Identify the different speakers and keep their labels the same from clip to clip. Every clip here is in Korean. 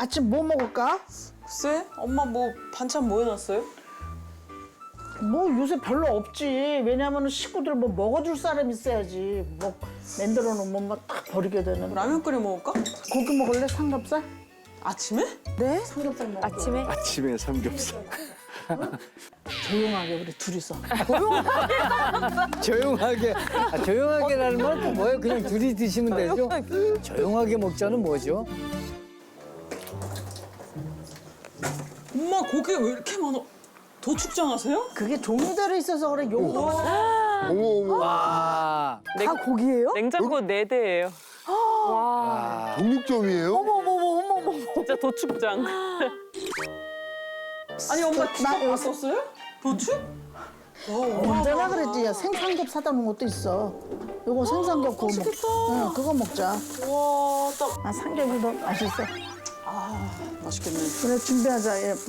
Speaker 1: 아침 뭐 먹을까?
Speaker 2: 글쎄? 엄마 뭐 반찬 뭐 해놨어요?
Speaker 1: 뭐 요새 별로 없지. 왜냐면 식구들 뭐 먹어줄 사람 있어야지. 뭐 만들어 놓으면 막딱 버리게 되는.
Speaker 2: 라면 끓여 먹을까?
Speaker 1: 고기 먹을래? 삼겹살?
Speaker 2: 아침에?
Speaker 1: 네? 삼겹살 먹어.
Speaker 3: 아침에?
Speaker 4: 아침에 삼겹살.
Speaker 1: 조용하게 우리 둘이서.
Speaker 5: 조용하게. 조용하게라는 말 또 뭐예요? 그냥 둘이 드시면 되죠? 조용하게 먹자는 뭐죠?
Speaker 2: 엄마 고기가 왜 이렇게 많아? 도축장 하세요?
Speaker 1: 그게 종류대로 있어서 그래. 용도가
Speaker 4: 어머 어머.
Speaker 5: 와.
Speaker 3: 다 고기예요?
Speaker 6: 냉장고 4대예요.
Speaker 4: 독립점이에요?
Speaker 3: 어머머머머머.
Speaker 6: 진짜 도축장.
Speaker 2: 아니 엄마
Speaker 1: 나
Speaker 2: 주방
Speaker 1: 여기-
Speaker 2: 바꿨어요? 도축?
Speaker 1: 언제나 그랬지. 야, 생삼겹 사다 놓은 것도 있어. 요거 생삼겹 구워 먹.
Speaker 2: 맛있겠다.
Speaker 1: 응, 그거 먹자.
Speaker 2: 와, 딱.
Speaker 1: 아, 삼겹이 더 맛있어.
Speaker 2: 맛있겠네.
Speaker 1: 그래, 준비하자. 얘.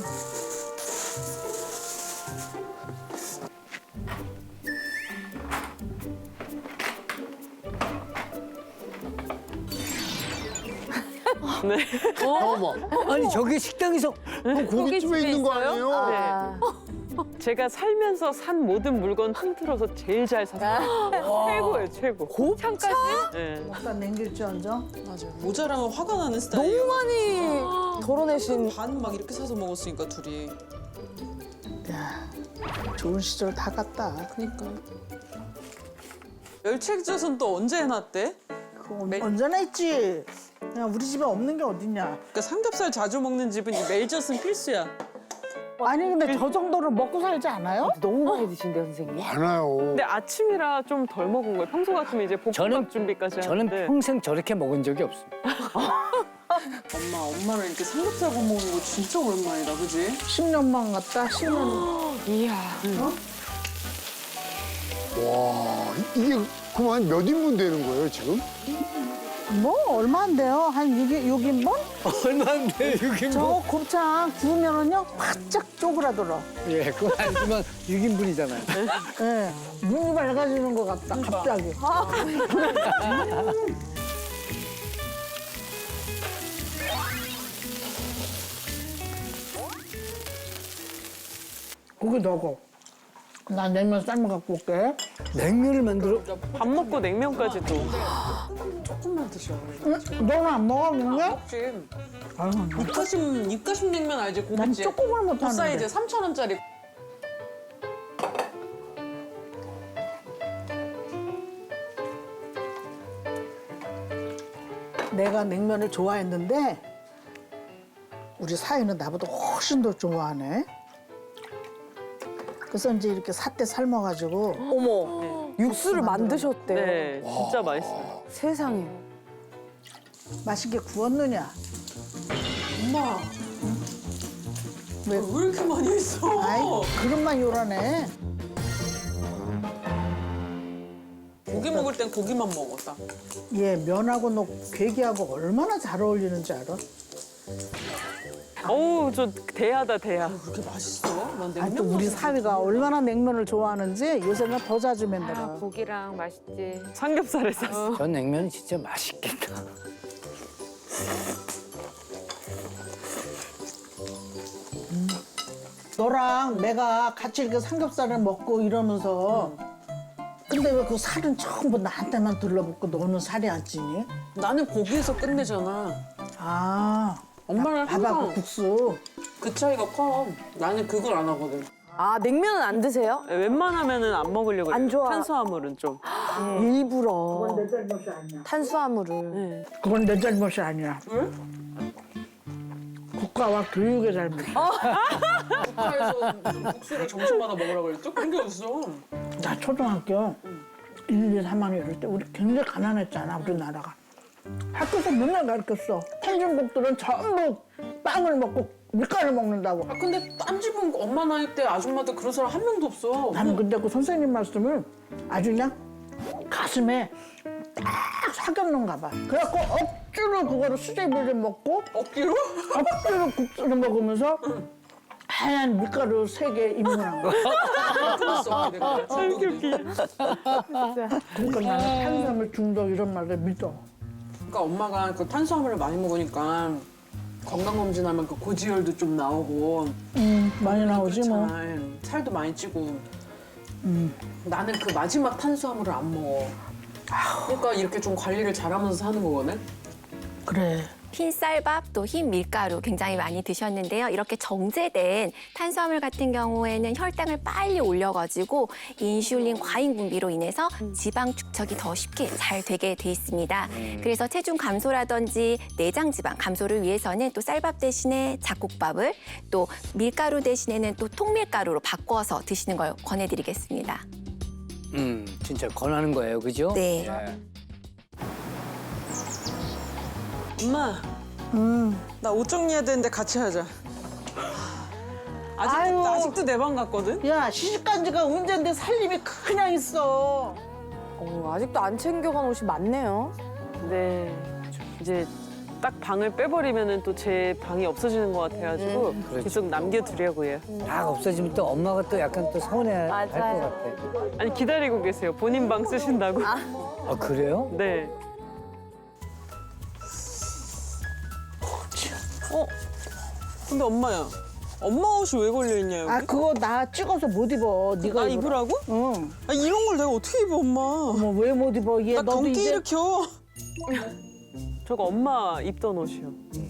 Speaker 6: 네.
Speaker 4: 잠깐만.
Speaker 5: 아니 저게 식당에서
Speaker 4: 고깃집에 있는 거 아니에요?
Speaker 6: 네. 제가 살면서 산 모든 물건 통틀어서 제일 잘 샀어요. 최고예요, 최고.
Speaker 3: 곱창까지?
Speaker 6: 네.
Speaker 1: 먹다 남길지언정.
Speaker 2: 맞아요. 모자라면 화가 나는 스타일이에요.
Speaker 3: 너무 많이 덜어내신.
Speaker 2: 반 막 이렇게 사서 먹었으니까 둘이.
Speaker 1: 야, 좋은 시절 다 갔다.
Speaker 2: 그니까. 멸치액젓은 또 언제 해놨대?
Speaker 1: 그거 언제나 있지. 야, 우리 집에 없는 게 어딨냐.
Speaker 2: 그러니까 삼겹살 자주 먹는 집은 이 멜젓은 필수야.
Speaker 1: 아니, 근데 저 정도로 먹고 살지 않아요?
Speaker 3: 너무 많이 드신대요, 선생님.
Speaker 4: 많아요.
Speaker 6: 근데 아침이라 좀 덜 먹은 거예요. 평소 같으면 이제 볶음밥
Speaker 5: 저는-
Speaker 6: 준비까지
Speaker 5: 저는
Speaker 6: 하는데.
Speaker 5: 평생 저렇게 먹은 적이 없습니다.
Speaker 2: 엄마랑 이렇게 삼겹살 구워 먹는 거 진짜 오랜만이다, 그지?
Speaker 1: 10년만 갔다, 10년.
Speaker 6: 이야.
Speaker 4: 와 이게 그만 몇 인분 되는 거예요 지금?
Speaker 1: 뭐, 얼마 안 돼요. 한 6인분?
Speaker 5: 얼마인데 이게
Speaker 1: 저
Speaker 5: 뭐?
Speaker 1: 곱창 구우면은요, 바짝 쪼그라들어.
Speaker 5: 예, 그건 아니지만 6인분이잖아요.
Speaker 1: 예. 눈이 밝아지는 것 같다, 갑자기. 고기 넣어. 나 냉면 삶아 갖고 올게.
Speaker 5: 냉면을 만들어
Speaker 6: 밥 먹고 냉면까지도.
Speaker 2: 조금만 드셔.
Speaker 1: 응? 너는 안 먹어, 냉면?
Speaker 2: 혹시
Speaker 1: 아유,
Speaker 2: 입가심 냉면 알지?
Speaker 1: 난
Speaker 2: 고깃집.
Speaker 1: 조금을
Speaker 2: 그
Speaker 1: 못하는데.
Speaker 2: 사이즈 3,000원짜리.
Speaker 1: 내가 냉면을 좋아했는데 우리 사위는 나보다 훨씬 더 좋아하네. 그래서 이제 이렇게 삿대 삶아가지고
Speaker 3: 어머. 육수를 만드셨대요.
Speaker 6: 네, 진짜 맛있어요.
Speaker 3: 세상에.
Speaker 1: 맛있게 구웠느냐?
Speaker 2: 엄마,
Speaker 1: 왜?
Speaker 2: 왜 이렇게 많이 했어?
Speaker 1: 아이, 그릇만 요란해.
Speaker 2: 고기 먹을 땐 고기만 먹었다.
Speaker 1: 얘 면하고 너 괴기하고 얼마나 잘 어울리는지 알아?
Speaker 6: 어우, 저 대하다, 대하.
Speaker 2: 그렇게 맛있어? 난 냉면
Speaker 1: 아니, 또 우리
Speaker 2: 맛있어.
Speaker 1: 사위가 얼마나 냉면을 좋아하는지 요새는 더 자주 만들어.
Speaker 3: 고기랑 맛있지.
Speaker 6: 삼겹살에 쌌어.
Speaker 5: 전 냉면이 진짜 맛있겠다.
Speaker 1: 너랑 내가 같이 이렇게 삼겹살을 먹고 이러면서 근데 왜 그 살은 전부 나한테만 둘러붙고 너는 살이 안 찌니?
Speaker 2: 나는 고기에서 끝내잖아.
Speaker 1: 아,
Speaker 2: 엄마는
Speaker 1: 밥하고
Speaker 2: 항상
Speaker 1: 국수.
Speaker 2: 그 차이가 커. 나는 그걸 안 하거든.
Speaker 3: 아, 냉면은 안 드세요?
Speaker 6: 웬만하면은 안 먹으려고 그래요.
Speaker 3: 안 좋아.
Speaker 6: 탄수화물은 좀.
Speaker 3: 일부러.
Speaker 1: 내 잘못이 아니야.
Speaker 3: 탄수화물을.
Speaker 6: 네.
Speaker 1: 그건 내 잘못이 아니야. 국가와 교육의 잘못.
Speaker 2: 국가에서 국수를 점심마다 먹으라고 그랬죠? 그런 게 어딨어.
Speaker 1: 나 초등학교 1, 2, 3학년 이럴 때 우리 굉장히 가난했잖아, 우리나라가. 학교에서 맨날 가르쳤어. 선진국들은 전부 빵을 먹고 밀가루 먹는다고.
Speaker 2: 아 근데 딴 집은 엄마 나이 때 아줌마들 그런 사람 한 명도 없어.
Speaker 1: 나는 근데 그 선생님 말씀을 아주 그냥 가슴에 딱 사겼는가 봐. 그래갖고 억지로 그거를 수제비를 먹고
Speaker 2: 억지로?
Speaker 1: 억지로 국수를 먹으면서 하얀 밀가루 3개 입문한 거야.
Speaker 2: 끊었어. 내가 중독이 돼.
Speaker 1: 그러니까 나는 탄수화물 중독 이런 말을 믿어.
Speaker 2: 그러니까 엄마가 그 탄수화물을 많이 먹으니까 건강검진하면 그 고지혈도 좀 나오고
Speaker 1: 많이 나오지 뭐.
Speaker 2: 그렇잖아. 살도 많이 찌고 나는 그 마지막 탄수화물을 안 먹어. 그러니까 이렇게 좀 관리를 잘하면서 사는 거거든.
Speaker 1: 그래.
Speaker 7: 흰 쌀밥 또 흰 밀가루 굉장히 많이 드셨는데요. 이렇게 정제된 탄수화물 같은 경우에는 혈당을 빨리 올려가지고 인슐린 과잉 분비로 인해서 지방 축적이 더 쉽게 잘 되게 돼 있습니다. 그래서 체중 감소라든지 내장 지방 감소를 위해서는 또 쌀밥 대신에 잡곡밥을 또 밀가루 대신에는 또 통밀가루로 바꿔서 드시는 걸 권해드리겠습니다.
Speaker 5: 진짜 권하는 거예요, 그죠?
Speaker 7: 네.
Speaker 5: 예.
Speaker 2: 엄마, 나 옷 정리해야 되는데 같이 하자. 아직도 내 방 갔거든?
Speaker 1: 야 시집간 지가 언젠데 살림이 그냥 있어.
Speaker 3: 아직도 안 챙겨간 옷이 많네요.
Speaker 6: 네. 이제 딱 방을 빼버리면은 또 제 방이 없어지는 것 같아가지고 계속 남겨두려고 해요.
Speaker 5: 다 없어지면 또 엄마가 또 약간 또 서운해 할 것
Speaker 3: 맞아요.
Speaker 5: 같아.
Speaker 6: 아니 기다리고 계세요. 본인 방 쓰신다고.
Speaker 5: 아, 그래요?
Speaker 6: 네.
Speaker 2: 근데 엄마야, 엄마 옷이 왜 걸려있냐, 여기?
Speaker 1: 아 그거 나 찍어서 못 입어. 네가
Speaker 2: 나
Speaker 1: 입어라.
Speaker 2: 입으라고?
Speaker 1: 응.
Speaker 2: 아, 이런 걸 내가 어떻게 입어, 엄마?
Speaker 1: 어머 왜 못 입어? 얘
Speaker 2: 나
Speaker 1: 너도
Speaker 2: 경기
Speaker 1: 이제
Speaker 2: 일으켜.
Speaker 6: 저거 엄마 입던 옷이요.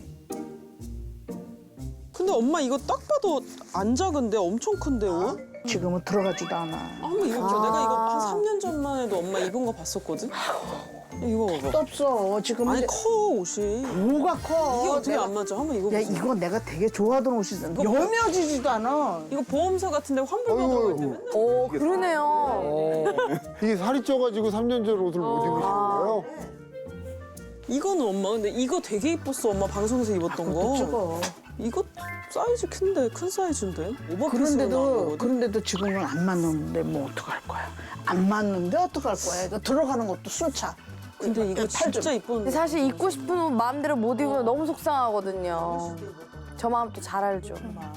Speaker 2: 근데 엄마 이거 딱 봐도 안 작은데 엄청 큰데 옷?
Speaker 1: 지금은 들어가지도 않아.
Speaker 2: 한번 입어보자. 내가 이거 한 3년 전만 해도 엄마 입은 거 봤었거든? 이거
Speaker 1: 또
Speaker 2: 봐봐.
Speaker 1: 없어. 지금
Speaker 2: 아니
Speaker 1: 이제
Speaker 2: 커 옷이.
Speaker 1: 뭐가 커?
Speaker 2: 이게 어떻게
Speaker 1: 내가-
Speaker 2: 안 맞아? 한번
Speaker 1: 야
Speaker 2: 입어보자.
Speaker 1: 이거 내가 되게 좋아하던 옷이잖아.
Speaker 2: 이거 뭐-
Speaker 1: 여며지지도 않아.
Speaker 2: 이거 보험사 같은데 환불 받아갈 때 맨날.
Speaker 3: 오, 그러네요.
Speaker 4: 이게 살이 쪄가지고 3년 전 옷을 못 입으시는 거예요?
Speaker 2: 이거는 엄마 근데 이거 되게 이뻤어 엄마 방송에서 입었던
Speaker 1: 그것도
Speaker 2: 거.
Speaker 1: 찍어.
Speaker 2: 이거 사이즈 큰데 큰 사이즈인데. 오버핏으로 나온
Speaker 1: 그런데도
Speaker 2: 거거든.
Speaker 1: 그런데도 지금은 안 맞는데 뭐 어떡할 거야? 안 맞는데 어떡할 거야? 이거 들어가는 것도 숨차.
Speaker 2: 근데 이거
Speaker 1: 팔 좀.
Speaker 2: 진짜
Speaker 3: 근데
Speaker 2: 이뻤는데.
Speaker 3: 사실 입고 싶은 옷 마음대로 못 입으면 너무 속상하거든요. 저 마음 또 잘 알죠.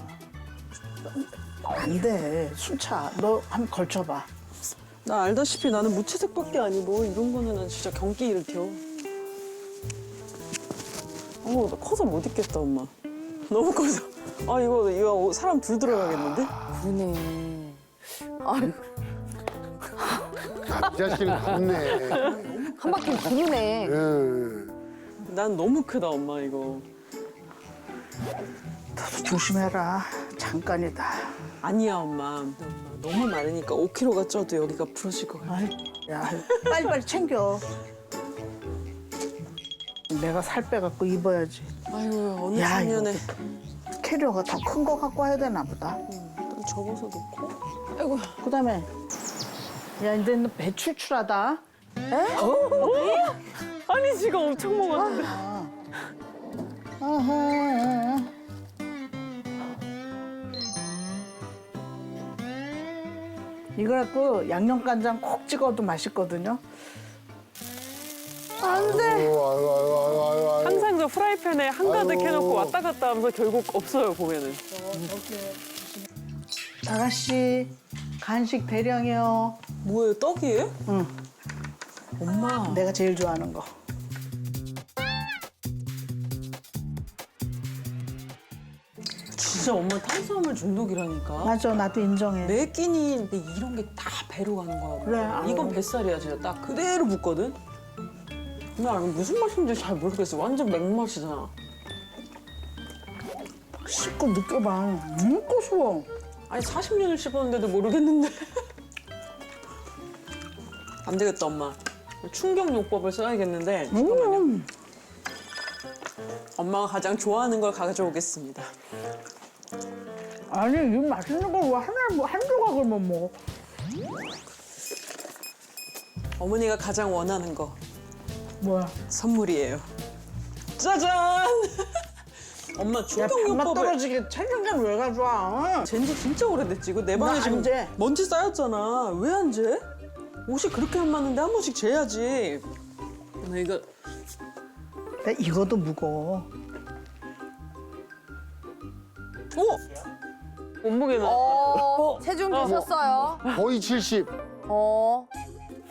Speaker 1: 안 돼. 숨차. 너 한번 걸쳐봐.
Speaker 2: 나 알다시피 나는 무채색밖에 안 입어. 이런 거는 난 진짜 경기 일으켜. 어머 나 커서 못 입겠다 엄마. 너무 커서. 아 이거 사람 둘 들어가겠는데?
Speaker 3: 그러네. 아유,
Speaker 4: 이 자식은 좋네.
Speaker 3: 한 바퀴 부르네.
Speaker 4: 예.
Speaker 2: 난 너무 크다 엄마 이거.
Speaker 1: 조심해라. 잠깐이다.
Speaker 2: 아니야 엄마. 너무 많으니까 5kg가 쪄도 여기가 부러질 것 같아.
Speaker 1: 아이, 야, 빨리빨리 챙겨. 내가 살 빼갖고 입어야지.
Speaker 2: 아이고 어느
Speaker 1: 야,
Speaker 2: 작년에
Speaker 1: 캐리어가 더 큰 거 갖고 와야 되나 보다.
Speaker 2: 일단 접어서 놓고.
Speaker 1: 아이고. 그다음에 야 이제 너 배 출출하다.
Speaker 6: 아니 지금 엄청 먹었는데.
Speaker 1: 아하. 이거 갖고 양념간장 콕 찍어도 맛있거든요.
Speaker 4: 아이고, 아이고, 아이고, 아이고, 아이고.
Speaker 6: 항상 저 프라이팬에 한가득
Speaker 4: 아이고.
Speaker 6: 해놓고 왔다 갔다 하면서 결국 없어요 보면은.
Speaker 1: 아가씨 간식 대량이요.
Speaker 2: 뭐예요 떡이에요?
Speaker 1: 응.
Speaker 2: 엄마.
Speaker 1: 내가 제일 좋아하는 거.
Speaker 2: 진짜 엄마 탄수화물 중독이라니까.
Speaker 1: 맞아, 나도 인정해.
Speaker 2: 매 끼니 이런 게 다 배로 가는 거야.
Speaker 1: 그래, 아유.
Speaker 2: 이건 뱃살이야 진짜 딱 그대로 붙거든. 나 무슨 맛인지 잘 모르겠어. 완전 맹맛이잖아.
Speaker 1: 씹고 느껴봐. 고소워.
Speaker 2: 아니 40년을 씹었는데도 모르겠는데. 안 되겠다 엄마. 충격요법을 써야겠는데. 잠깐만요. 엄마가 가장 좋아하는 걸 가져오겠습니다.
Speaker 1: 아니, 이 맛있는 걸 왜 한 조각을 못 먹어?
Speaker 2: 어머니가 가장 원하는 거
Speaker 1: 뭐야?
Speaker 2: 선물이에요. 짜잔! 엄마
Speaker 1: 야, 밥맛
Speaker 2: 충격요법을
Speaker 1: 떨어지게 책임감 왜 가져와?
Speaker 2: 잰지 진짜 오래됐지. 이거 내 방에
Speaker 1: 나안
Speaker 2: 지금
Speaker 1: 재.
Speaker 2: 먼지 쌓였잖아. 왜 안 재? 옷이 그렇게 안 맞는데 한 번씩 재야지. 나 이거
Speaker 1: 나 이거도 무거워.
Speaker 6: 몸무게는
Speaker 3: 체중 되셨어요?
Speaker 4: 거의 70,
Speaker 3: 어.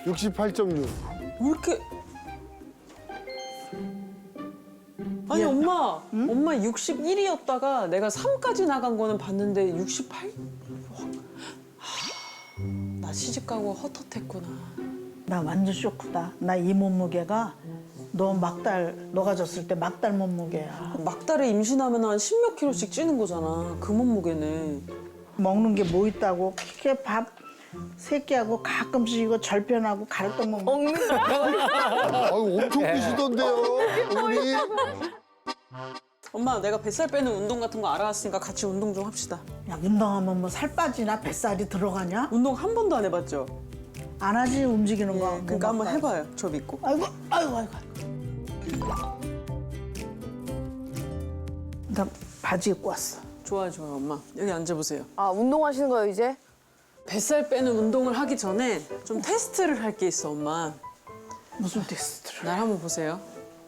Speaker 4: 68.6.
Speaker 2: 왜 이렇게 아니 엄마
Speaker 6: 엄마 61이었다가 내가 3까지 나간 거는 봤는데 68? 나 시집 가고 헛헛했구나.
Speaker 1: 나 완전 쇼크다. 나 이 몸무게가 너 너가 졌을 때 막달 몸무게야.
Speaker 6: 막달에 임신하면 한 10몇 킬로씩 찌는 거잖아. 그 몸무게네.
Speaker 1: 먹는 게 뭐 있다고 그렇게 밥 3끼하고 가끔씩 이거 절편하고 가래떡 먹는 거.
Speaker 4: 아유, 엄청 드시던데요, 어머니.
Speaker 6: 엄마 내가 뱃살 빼는 운동 같은 거 알아왔으니까 같이 운동 좀 합시다.
Speaker 1: 야, 운동하면 뭐 살 빠지나 뱃살이 들어가냐?
Speaker 6: 운동 한 번도 안 해봤죠?
Speaker 1: 안 하지 움직이는 거.
Speaker 6: 그러니까 한번 해봐요. 저 믿고.
Speaker 1: 아이고. 나 바지 입고 왔어.
Speaker 6: 좋아요 엄마. 여기 앉아보세요.
Speaker 3: 아 운동하시는 거예요 이제?
Speaker 6: 뱃살 빼는 운동을 하기 전에 좀 테스트를 할 게 있어 엄마.
Speaker 1: 무슨 테스트를?
Speaker 6: 날 한번 보세요.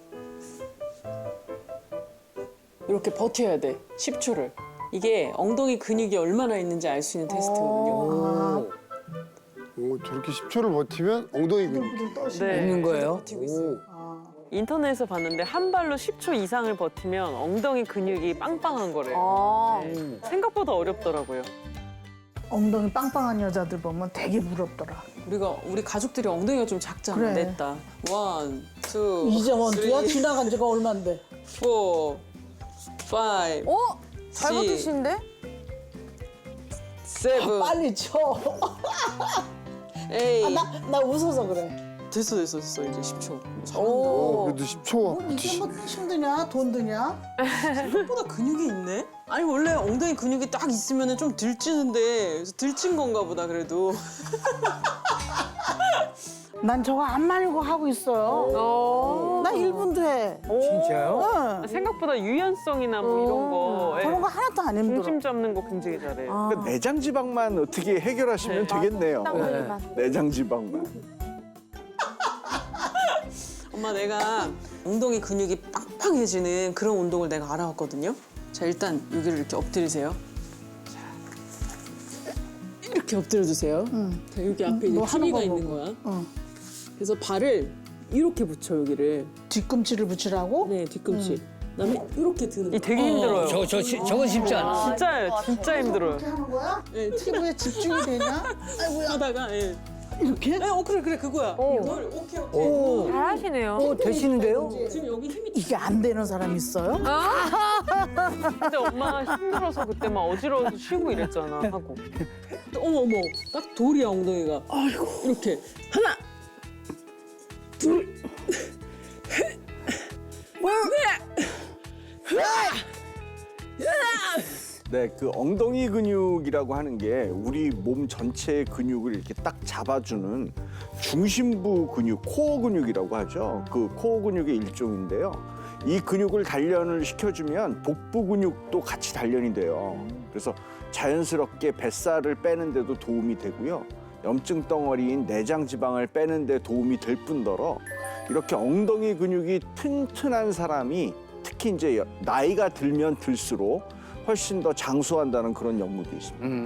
Speaker 6: 이렇게 버텨야 돼. 10초를. 이게 엉덩이 근육이 얼마나 있는지 알 수 있는 테스트거든요.
Speaker 4: 오, 저렇게 10초를 버티면 엉덩이 근육.
Speaker 6: 네.
Speaker 5: 있는 거예요?
Speaker 6: 인터넷에서 봤는데 한 발로 10초 이상을 버티면 엉덩이 근육이 빵빵한 거래요.
Speaker 3: 아.
Speaker 6: 생각보다 어렵더라고요.
Speaker 1: 엉덩이 빵빵한 여자들 보면 되게 부럽더라.
Speaker 6: 우리 가족들이 엉덩이가 좀 작잖아.
Speaker 1: 그래.
Speaker 6: 냈다. 1, 2,
Speaker 1: 이제 원투야?
Speaker 6: 3,
Speaker 1: 지나간 지가 얼만데?
Speaker 6: 4, 5,
Speaker 3: 어? 잘
Speaker 6: 6,
Speaker 3: 버티시는데?
Speaker 6: 7,
Speaker 1: 빨리 쳐.
Speaker 6: 8.
Speaker 1: 나 웃어서 그래.
Speaker 6: 됐어 이제 10초. 잘한다.
Speaker 4: 그래도 10초.
Speaker 1: 이게 뭐 힘드냐? 돈 드냐?
Speaker 6: 생각보다 근육이 있네? 아니 원래 엉덩이 근육이 딱 있으면 좀 들찌는데 그래서 들찐 건가 보다 그래도.
Speaker 1: 난 저거 안 말고 하고 있어요. 나 1분도 해.
Speaker 5: 진짜요?
Speaker 1: 응.
Speaker 6: 생각보다 유연성이나 뭐 이런 거
Speaker 1: 저런 거 하나도 안 힘들어.
Speaker 6: 중심 잡는 거 굉장히 잘해.
Speaker 8: 그러니까 내장 지방만 어떻게 해결하시면 되겠네요. 내장 지방만.
Speaker 6: 엄마 내가 엉덩이 근육이 빵빵해지는 그런 운동을 내가 알아왔거든요. 자 일단 여기를 이렇게 엎드리세요. 자, 이렇게 엎드려 주세요. 자, 여기 앞에 이제
Speaker 1: 뭐 하는
Speaker 6: TV가
Speaker 1: 거
Speaker 6: 있는
Speaker 1: 보고.
Speaker 6: 거야.
Speaker 1: 어.
Speaker 6: 그래서 발을 이렇게 붙여 여기를.
Speaker 1: 뒤꿈치를 붙이라고?
Speaker 6: 네 뒤꿈치. 그다음에 이렇게 드는 거. 이 되게 힘들어요.
Speaker 5: 저건 쉽지 않아.
Speaker 6: 진짜예요. 진짜 힘들어요.
Speaker 1: 이렇게 하는 거야?
Speaker 6: 네,
Speaker 1: 피부에 집중이 되냐? 아이고야.
Speaker 6: 하다가 예.
Speaker 1: 이렇게?
Speaker 6: 네, 그래 그거야. 이걸 오케이.
Speaker 3: 잘하시네요.
Speaker 5: 오, 되시는데요?
Speaker 6: 지금 여기 힘이.
Speaker 1: 이게 안 되는 사람 있어요?
Speaker 6: 근데 엄마 힘들어서 그때 막 어지러워서 쉬고 이랬잖아 하고. 어머 딱 돌이야 엉덩이가. 아이고 이렇게 하나 둘
Speaker 8: 네, 그 엉덩이 근육이라고 하는 게 우리 몸 전체의 근육을 이렇게 딱 잡아주는 중심부 근육, 코어 근육이라고 하죠. 그 코어 근육의 일종인데요. 이 근육을 단련을 시켜주면 복부 근육도 같이 단련이 돼요. 그래서 자연스럽게 뱃살을 빼는 데도 도움이 되고요. 염증 덩어리인 내장 지방을 빼는 데 도움이 될 뿐더러 이렇게 엉덩이 근육이 튼튼한 사람이 특히 이제 나이가 들면 들수록 훨씬 더 장수한다는 그런 연구도 있습니다.